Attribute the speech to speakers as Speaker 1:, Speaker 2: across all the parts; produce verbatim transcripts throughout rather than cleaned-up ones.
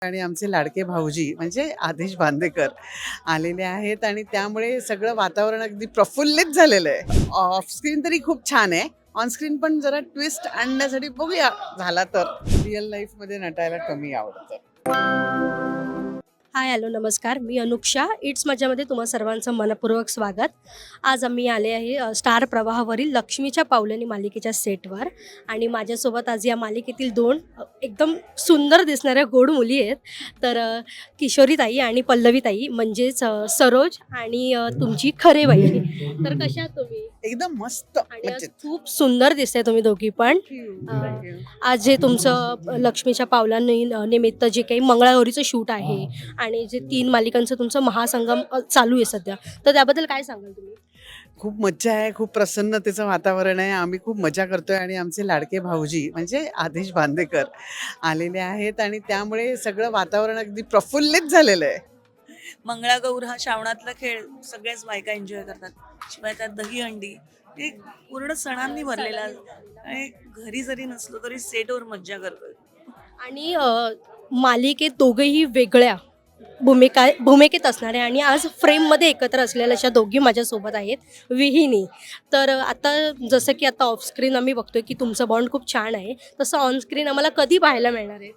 Speaker 1: आणि आमचे लाडके भाऊजी म्हणजे आदेश बांदेकर आलेले आहेत आणि त्यामुळे सगळं वातावरण अगदी प्रफुल्लित झालेलं आहे. ऑफ स्क्रीन तरी खूप छान आहे, ऑन स्क्रीन पण जरा ट्विस्ट आणण्यासाठी बघूया झाला तर. रिअल लाईफमध्ये नटायला कमी आवडतं.
Speaker 2: हाय हॅलो नमस्कार, मी अनुक्षा. इट्स मजामध्ये तुम्हा सर्वांचं मनपूर्वक स्वागत. आज आम्ही आले आहे अ, स्टार प्रवाहावरील लक्ष्मीच्या पावलेनी मालिकेच्या सेटवर आणि माझ्यासोबत आज या मालिकेतील दोन अ, एकदम सुंदर दिसणाऱ्या गोड मुली आहेत. तर अ, किशोरीताई आणि पल्लवीताई म्हणजेच अ, सरोज आणि अ, तुमची खरे वहिनी. तर कशा आहात तुम्ही?
Speaker 1: एकदम मस्त
Speaker 2: आणि आज
Speaker 1: मजेत.
Speaker 2: खूप सुंदर दिसताय तुम्ही दोघी पण. अ, आज जे तुमचं अ, लक्ष्मीच्या पावलांनी अ, निमित्त जे काही मंगळागौरीचं शूट आहे आणि जे तीन मालिकांचं तुमचं महासंगम अ, चालू आहे सध्या, तर त्याबद्दल काय सांगाल तुम्ही?
Speaker 1: खूप मज्जा आहे, खूप प्रसन्नतेचं वातावरण आहे. आम्ही खूप मजा करतोय आणि आमचे लाडके भाऊजी म्हणजे आदेश बांदेकर आलेले आहेत आणि त्यामुळे सगळं वातावरण अगदी प्रफुल्लित झालेलं आहे.
Speaker 3: मंगळागौर हा श्रावणातला खेळ सगळ्याच बायका एन्जॉय करतात. शिवाय त्यात दहीहंडी हे पूर्ण सणांनी भरलेला आणि घरी जरी नसलो तरी सेटवर मज्जा करतोय.
Speaker 2: आणि अ, मालिकेत दोघेही वेगळ्या भूमिका भूमिकेत असणारे आणि आज फ्रेममध्ये एकत्र असलेल्या अशा दोघी माझ्यासोबत आहेत. विहिनी. तर अ, आता जसं की आता ऑफ स्क्रीन आम्ही बघतोय की तुमचं बॉन्ड खूप छान आहे, तसं ऑन स्क्रीन आम्हाला कधी पाहायला मिळणार आहे?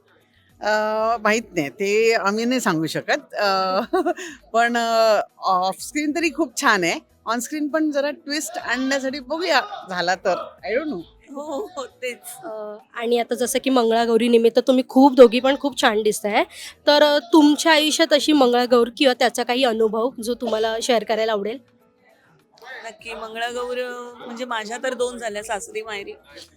Speaker 1: अ, माहीत नाही ते आम्ही नाही सांगू शकत. अ, पण ऑफ स्क्रीन तरी खूप छान आहे, ऑन स्क्रीन पण जरा ट्विस्ट आणण्यासाठी बघूया झाला तर. I don't know.
Speaker 3: हो हो हो, तेच.
Speaker 2: अ, आणि आता जसं की मंगळागौरी निमित्त तुम्ही खूप दोघी पण खूप छान दिसताय. तर अ, तुमच्या आयुष्यात अशी मंगळागौर किंवा त्याचा काही अनुभव जो तुम्हाला शेअर करायला आवडेल?
Speaker 3: नक्की मंगळागौर म्हणजे माझ्या तर दोन झाल्या, सासरी माहेरी.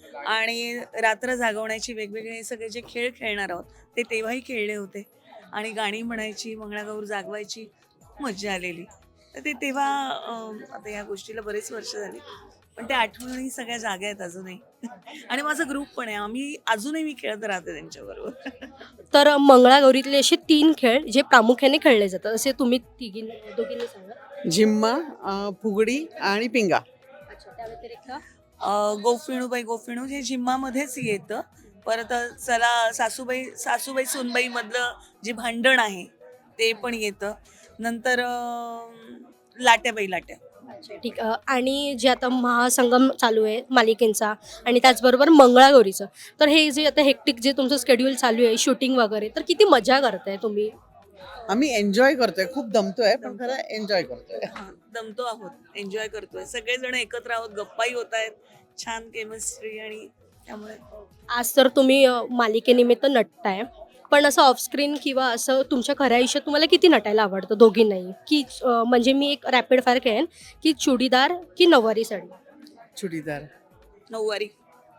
Speaker 3: आणि रात्र जागवण्याची वेगवेगळे सगळे जे खेळ खेळणार आहोत ते तेव्हाही खेळले होते. आणि गाणी म्हणायची, मंगळागौर जागवायची, खूप मज्जा आलेली. तर ते तेव्हा अं, आता या गोष्टीला बरेच वर्ष झाली, पण त्या आठवणी सगळ्या जाग्या आहेत अजूनही. आणि माझा ग्रुप पण आहे, आम्ही अजूनही मी खेळत राहते त्यांच्याबरोबर.
Speaker 2: तर अ, मंगळागौरीतले असे तीन खेळ जे प्रामुख्याने खेळले जातात, असे तुम्ही तिघींनी दोघींनी सांगा.
Speaker 1: झिम्मा, अ, फुगडी आणि पिंगा.
Speaker 2: अच्छा, त्या व्यतिरिक्त?
Speaker 3: अ, गोफिणू बाई गोफिणू हे झिम्मामध्येच येतं. परत चला सासूबाई सासूबाई सुनबाई मधलं जे भांडण आहे ते पण येतं. नंतर अ, लाट्या बाई लाट्या.
Speaker 2: अच्छा, ठीक. अ, आणि जे आता महासंगम चालू आहे मालिकेंचा आणि त्याचबरोबर मंगळागौरीचं, तर हे जे आता हेक्टिक जे तुमचं शेड्यूल चालू आहे, शूटिंग वगैरे, तर किती मजा करताय तुम्ही?
Speaker 1: आम्ही एन्जॉय करतोय, खूप दमतोय पण
Speaker 3: दमतो.
Speaker 1: खरं एन्जॉय करतोय.
Speaker 3: हां, दमतो आहोत, एन्जॉय करतोय. सगळेजण एकत्र आहोत, गप्पाही होत आहेत, छान केमिस्ट्री आणि त्यामुळे
Speaker 2: आज तर तुम्ही अ, मालिकेनिमित्त नटताय. पण असं ऑफ स्क्रीन किंवा असं तुमच्या खऱ्या आयुष्यात तुम्हाला किती नटायला आवडतं दोघींनाही? की अ, म्हणजे मी एक रॅपिड फायर करेन, की चुडीदार की नऊवारी साडी?
Speaker 1: चुडीदार.
Speaker 3: नऊवारी.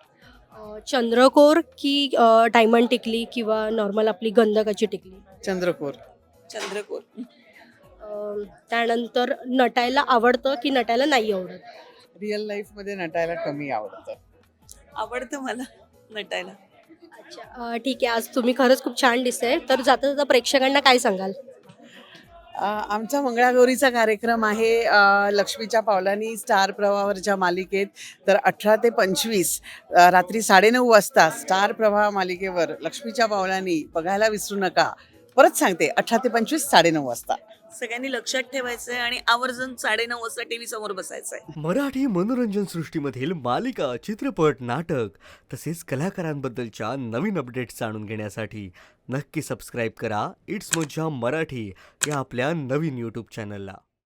Speaker 2: अ, चंद्रकोर की अ, डायमंड टिकली किंवा नॉर्मल आपली गंधकाची टिकली?
Speaker 1: चंद्रकोर.
Speaker 3: चंद्रकोर.
Speaker 2: अ, त्यानंतर नटायला आवडतं की नटायला नाही आवडत?
Speaker 1: रिअल लाईफमध्ये नटायला कमी आवडतं.
Speaker 3: आवडतं मला नटायला.
Speaker 2: अच्छा, अ, ठीक आहे. आज तुम्ही खरंच खूप छान दिसताय. तर जाता जाता प्रेक्षकांना काय सांगाल?
Speaker 1: अ, आमचा मंगळागौरीचा कार्यक्रम आहे अ, लक्ष्मीच्या पावलांनी स्टार प्रवाहावरच्या मालिकेत. तर अठरा ते पंचवीस अ, रात्री साडेनऊ वाजता स्टार प्रवाह मालिकेवर लक्ष्मीच्या पावलांनी बघायला विसरू नका. परत सांगते, अठरा ते पंचवीस साडेनऊ वाजता.
Speaker 3: सगळ्यांनी लक्षात ठेवायचंय आणि आवर्जून साडेनऊ वाजता टीव्ही समोर बसायचंय.
Speaker 4: मराठी मनोरंजन सृष्टीमधील मालिका, चित्रपट, नाटक तसेच कलाकारांबद्दलच्या नवीन अपडेट्स जाणून घेण्यासाठी नक्की सबस्क्राईब करा इट्स मज्जा मराठी या आपल्या नवीन यूट्यूब चॅनलला.